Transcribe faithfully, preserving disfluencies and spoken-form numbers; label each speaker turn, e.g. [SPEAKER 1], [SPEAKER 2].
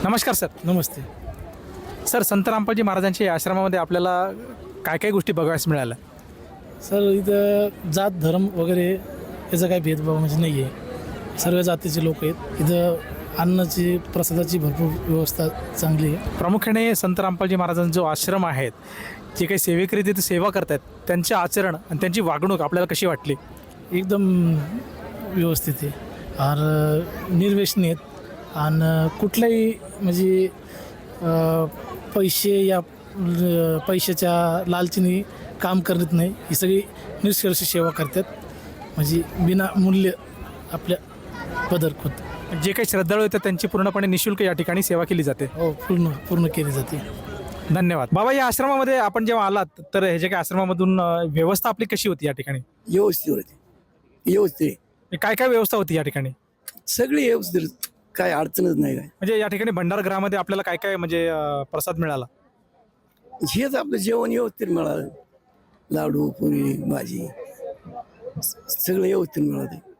[SPEAKER 1] नमस्कार सर.
[SPEAKER 2] नमस्ते.
[SPEAKER 1] सर, संत रामपालजी महाराजांच्या आश्रमामध्ये आपल्याला काय काय गोष्टी बघायला मिळाल्या?
[SPEAKER 2] सर इथं जात धर्म वगैरे याचा काही भेदभाव म्हणजे नाही आहे. सर्व जातीचे लोक आहेत. इथं अन्नाची प्रसादाची भरपूर व्यवस्था चांगली आहे.
[SPEAKER 1] प्रामुख्याने संत रामपालजी महाराजांचा जो आश्रम आहेत, जे काही सेवेकरी तिथे सेवा करतात, त्यांचे आचरण आणि त्यांची वागणूक आपल्याला कशी वाटली?
[SPEAKER 2] एकदम व्यवस्थित आहे आणि निर्व्यसनी आहेत आणि कुठल्याही म्हणजे अ, पैसे या अ, पैशाच्या लालचीने काम करत नाही. ही सगळी निष्कर्ष सेवा करतात, म्हणजे बिना मूल्य आपल्या पदर होत.
[SPEAKER 1] जे काही श्रद्धाळू येतात त्यांची पूर्णपणे निशुल्क या ठिकाणी सेवा केली जाते.
[SPEAKER 2] हो, पूर्ण पूर्ण केली जाते.
[SPEAKER 1] धन्यवाद. बाबा, या आश्रमामध्ये आपण जेव्हा आलात तर हे जे काही आश्रमामधून अ, व्यवस्था आपली कशी होती या ठिकाणी?
[SPEAKER 3] व्यवस्थित होते व्यवस्थित
[SPEAKER 1] काय काय व्यवस्था होती या ठिकाणी?
[SPEAKER 3] सगळी व्यवस्थित, काय अडचणच नाही. काय
[SPEAKER 1] म्हणजे या ठिकाणी भंडारगृहामध्ये आपल्याला काय काय म्हणजे अ, प्रसाद मिळाला?
[SPEAKER 3] हेच आपलं जेवण व्यवस्थित मिळालं. लाडू पुरी भाजी सगळं व्यवस्थित मिळालं.